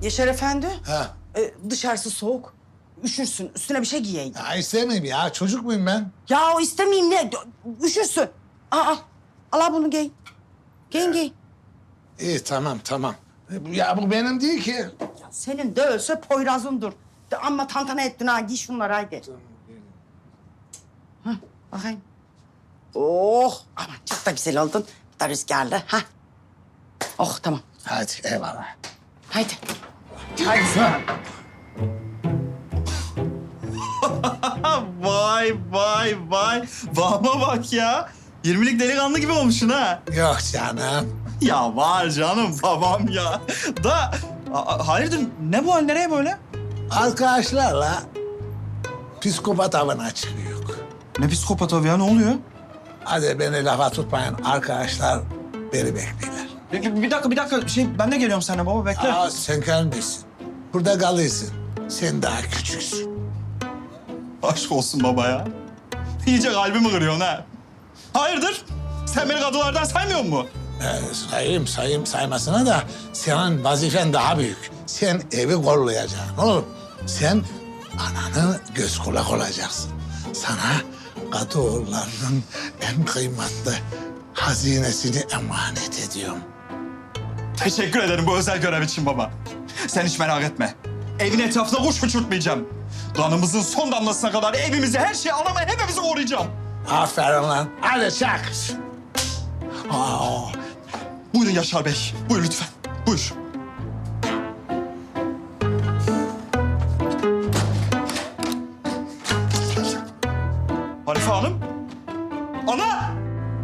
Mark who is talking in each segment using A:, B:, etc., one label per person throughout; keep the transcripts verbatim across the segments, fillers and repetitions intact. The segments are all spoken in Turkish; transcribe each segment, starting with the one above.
A: Yaşar Efendi,
B: Ha.
A: e, dışarısı soğuk. Üşürsün, üstüne bir şey giyeydin.
B: Ya istemeyeyim ya. Çocuk muyum ben?
A: Ya o istemeyeyim ne? Üşürsün. Aa, al. Al bunu giy. Giyin giy.
B: İyi tamam tamam. Ya bu benim değil ki.
A: Ya senin de ölse Poyraz'ındır. De amma tantana ettin ha. Giy şunları haydi. Hah, bakayım. Oh, aman çok da güzel oldun. Bir de rüzgarlı. Ha. Oh, tamam.
B: Hadi eyvallah.
A: Haydi. Haydi sen.
C: Vay vay vay. Vahma bak ya. yirmilik delikanlı gibi olmuşsun ha.
B: Yok canım.
C: Ya var canım babam ya. Da a- hayırdır ne bu hal nereye böyle?
B: Arkadaşlarla psikopat avına çıkıyor.
C: Ne psikopat abi ya ne oluyor?
B: Hadi beni lafa tutmayın. Arkadaşlar beni bekliyorlar.
C: Bir, bir- bir dakika bir dakika şey ben de geliyorum sana baba bekle.
B: Aa, sen gelmişsin. Burada kalıyorsun. Sen daha küçüksün.
C: Aşk olsun baba ya. İyice kalbimi kırıyorsun ha. Hayırdır? Sen beni kadılardan saymıyor musun?
B: Ee, sayayım sayayım saymasına da senin vazifen daha büyük. Sen evi kollayacaksın oğlum. Sen ananı göz kulak olacaksın. Sana kadı oğullarının en kıymetli hazinesini emanet ediyorum.
C: Teşekkür ederim bu özel görev için baba. Sen hiç merak etme. Evin etrafına kuş uçurtmayacağım. Kanımızın son damlasına kadar evimizi, her şeyi, anamı hepimizi koruyacağım.
B: Aferin lan. Hadi çak. Aa,
C: Buyurun Yaşar Bey. Buyur lütfen. Buyur. Hanife Hanım. Ana!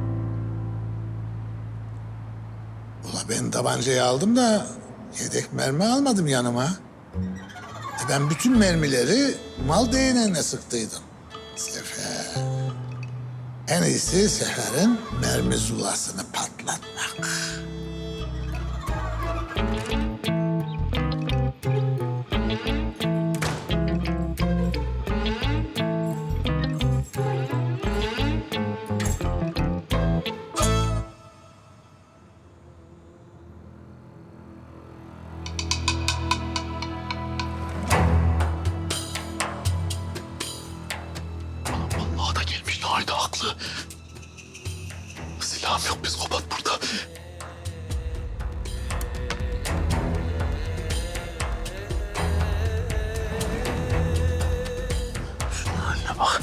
B: ula ben tabancayı aldım da yedek mermi almadım yanıma. E ben bütün mermileri mal değneğine sıktıydım. Sefer. En iyisi Sefer'in mermi zulasını patlatmak.
D: Vallahi da gelmiş. Nahide haklı. Silahım yok. Psikopat burada. Şunun haline bak.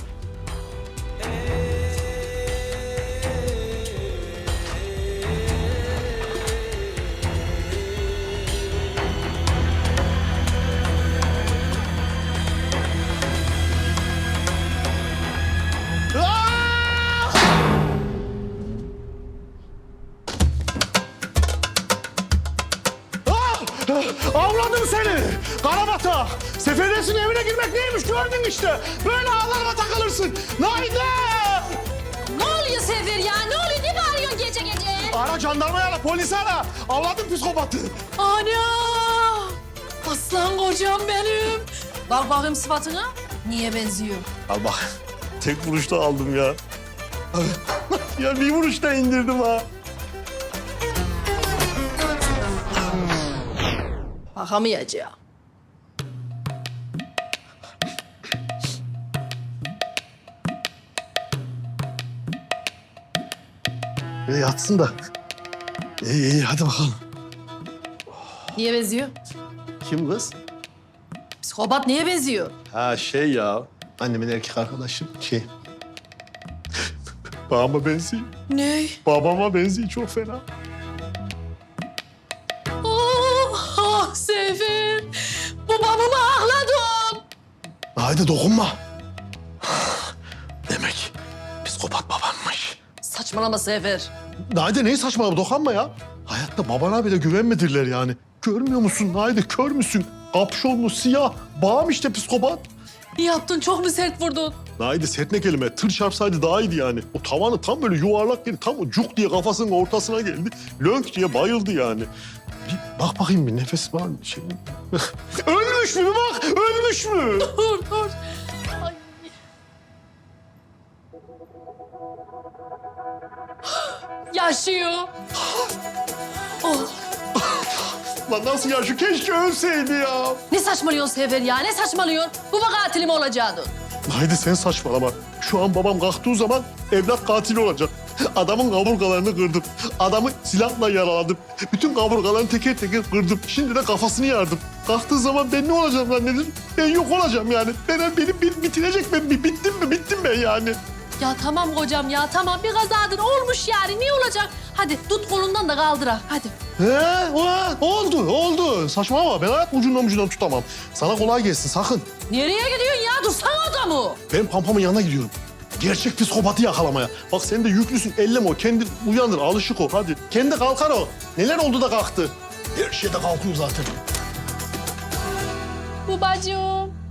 E: Avladım seni. Karabatak. Seferdesin evine girmek neymiş gördün işte. Böyle ağlarıma takılırsın. Naide!
F: Ne oluyor Sefer ya? Ne oluyor? Ne bağırıyorsun gece gece?
E: Ara jandarmayı ara, polisi ara. Avladım psikopatı.
F: Ana! Aslan kocam benim. Bak bakayım sıfatına. Niye benziyor?
E: Al bak. Tek vuruşta aldım ya. Ya bir vuruşta indirdim ha.
F: Bakamayacağım.
E: E, yatsın da. İyi iyi hadi bakalım.
F: Niye benziyor?
E: Kim kız?
F: Psikopat niye benziyor?
E: Ha şey ya. Annemin erkek arkadaşı şey. Babama benziyor.
F: Ne?
E: Babama benziyor çok fena.
F: Oh, ah Sefer. Babamı ağladın.
E: Haydi dokunma. Demek psikopat babammış.
F: Saçmalama Sefer.
E: Haydi neyi saçmalama dokunma ya. Hayatta babana bile güvenmedirler yani. Görmüyor musun? Haydi kör müsün? Kapşonlu, siyah. Bağım işte psikopat.
F: Ne yaptın? Çok mu sert vurdun?
E: Haydi sert ne kelime. Tır çarpsaydı daha iyiydi yani. O tavanı tam böyle yuvarlak geldi. Tam o cuk diye kafasının ortasına geldi. Lönk diye bayıldı yani. Bir bak bakayım bir nefes var mı? Şey... ölmüş mü bak? Ölmüş mü?
F: Dur dur. Ay. Yaşıyor. Oh.
E: Lan nasıl ya? Şu keşke ölseydi ya.
F: Ne saçmalıyorsun Sefer ya? Ne saçmalıyorsun? Bu mu katilim olacaktı?
E: Haydi sen saçmalama. Şu an babam kalktığı zaman evlat katili olacak. Adamın kaburgalarını kırdım. Adamı silahla yaraladım. Bütün kaburgalarını teker teker kırdım. Şimdi de kafasını yardım. Kalktığı zaman ben ne olacağım zannedin? Ben yok olacağım yani. Ben, benim, benim bitirecek ben. Bittim mi? Bittim ben yani.
F: Ya tamam kocam ya tamam bir kazadır olmuş yani ne olacak? Hadi tut kolundan da kaldıra hadi.
E: He, o- oldu, oldu. Saçmalama. Ben hayat ucundan ucundan tutamam. Sana kolay gelsin sakın.
F: Nereye gidiyorsun ya? Dursana adamı.
E: Ben Pampam'ın yanına gidiyorum. Gerçek psikopatı yakalamaya. Bak sen de yüklüsün, elleme o. Kendi uyanır, alışık o. Hadi. Kendi kalkar o. Neler oldu da kalktı? Her şey de kalkıyor zaten.
F: Babacığım.